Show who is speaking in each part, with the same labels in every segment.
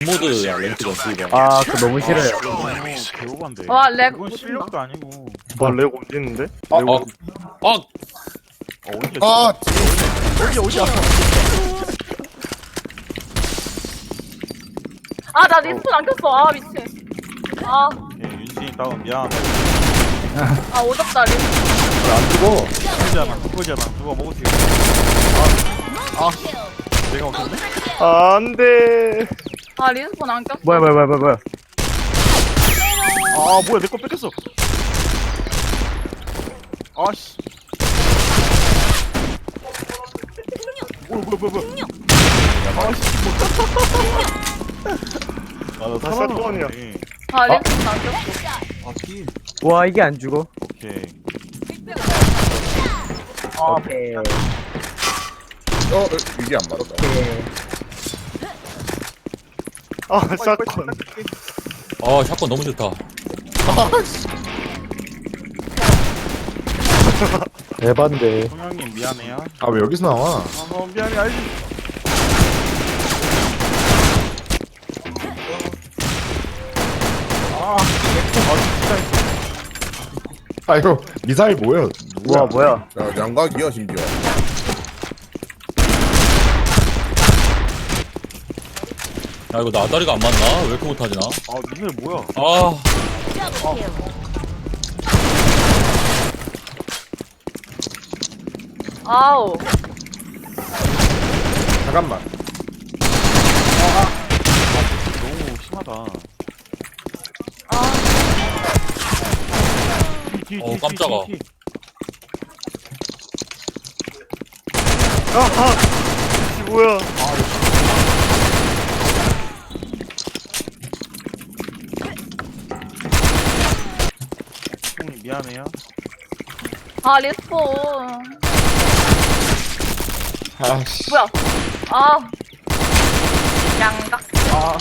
Speaker 1: 모드야 랭크 전투 이거.
Speaker 2: 아, 그거 너무 싫어요.
Speaker 3: 개오반데.
Speaker 4: 와, 렉
Speaker 3: 이건 실력도 아니고.
Speaker 5: 렉 옮기는데?
Speaker 1: 아,
Speaker 5: 렉
Speaker 3: 어디야?
Speaker 6: 아,
Speaker 3: 어디야?
Speaker 4: 아, 나 리스폰 안 켰어. 아, 미친. 아,
Speaker 3: 오케이, 윤진이 다운 미안.
Speaker 4: 아, 오졌다, 리스폰.
Speaker 6: 안 죽어.
Speaker 3: 그거잖아. 누가 먹으세요? 내가 먹었네?
Speaker 5: 안 돼.
Speaker 4: 아, 리스폰 안 켰어.
Speaker 2: 뭐야.
Speaker 3: 아, 뭐야, 내 거 뺏겼어. 아씨. 뭐야. 아씨, 아, 나
Speaker 5: 사건이야.
Speaker 3: 살아남았네.
Speaker 4: 아, 리스폰 안 켰어.
Speaker 2: 와, 이게 안 죽어.
Speaker 3: 오케이.
Speaker 2: 오케이.
Speaker 6: 이게 안 맞다.
Speaker 2: 오케이.
Speaker 5: 아, 사건.
Speaker 1: 아 샷건 너무 좋다.
Speaker 6: 대반데.
Speaker 3: 성형님 미안해요.
Speaker 6: 아, 왜 여기서 나와?
Speaker 3: 아, 미안해, 알지.
Speaker 6: 아, 이거 미사일 뭐야?
Speaker 2: 우와, 뭐야.
Speaker 6: 야, 양각이야, 심지어.
Speaker 1: 야 이거 나다리가 안 맞나? 왜 이렇게 못하지 나?
Speaker 3: 아, 니네 뭐야?
Speaker 1: 아
Speaker 4: 아우.
Speaker 6: 잠깐만.
Speaker 3: 너무 심하다.
Speaker 4: 아,
Speaker 1: 어, 깜짝아.
Speaker 5: 아하. 이 뭐야?
Speaker 3: 형님 미안해요.
Speaker 4: 아, 리스폰.
Speaker 6: 아씨.
Speaker 4: 뭐야? 아. 양각.
Speaker 3: 아,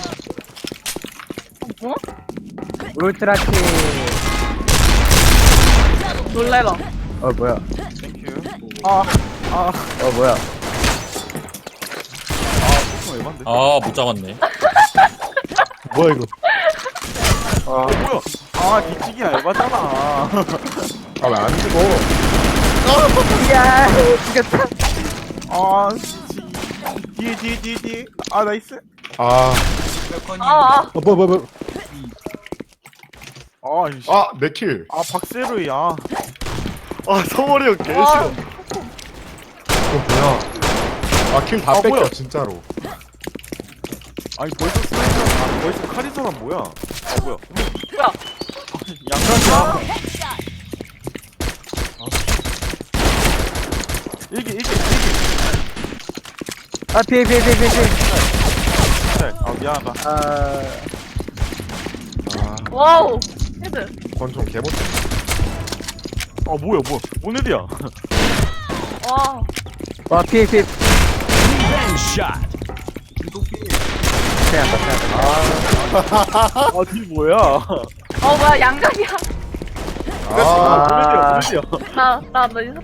Speaker 4: 뭐?
Speaker 2: 울트라킥.
Speaker 4: 놀래라.
Speaker 2: 뭐야.
Speaker 3: 땡큐.
Speaker 2: 뭐야.
Speaker 3: 왜 만데?
Speaker 1: 아 못 잡았네.
Speaker 6: 뭐야, 이거?
Speaker 3: 뭐야? 아, 뒤치기야, 에바잖아.
Speaker 6: 아, 왜 안 죽어?
Speaker 2: 야, 죽였다.
Speaker 3: 아, 뒤에. 아, 나이스.
Speaker 6: 아,
Speaker 4: 아,
Speaker 6: 뭐야.
Speaker 3: 아, 이씨.
Speaker 6: 아, 내 킬.
Speaker 3: 아, 박세로야.
Speaker 5: 아, 성월이 형
Speaker 4: 아.
Speaker 5: 개싫어.
Speaker 6: 이거 뭐야? 아, 킬 다
Speaker 3: 아,
Speaker 6: 뺏겨,
Speaker 3: 뭐야?
Speaker 6: 진짜로.
Speaker 3: 아니, 벌써 스나이퍼, 벌써 카리서란 뭐야? 아, 뭐야?
Speaker 4: 뭐야?
Speaker 3: 양각이야. 일기.
Speaker 2: 아, 피해.
Speaker 3: 아, 미안하다.
Speaker 2: 아,
Speaker 4: 와우. 헤드.
Speaker 6: 권총 개못.
Speaker 3: 아, 뭐야? 뭔 애들이야?
Speaker 4: 와.
Speaker 2: 와, 피해.
Speaker 3: 아, 뒤 뭐야?
Speaker 4: 뭐야, 양각이야.
Speaker 6: 아,
Speaker 3: 뭔 애들이야?
Speaker 4: 나 리스폰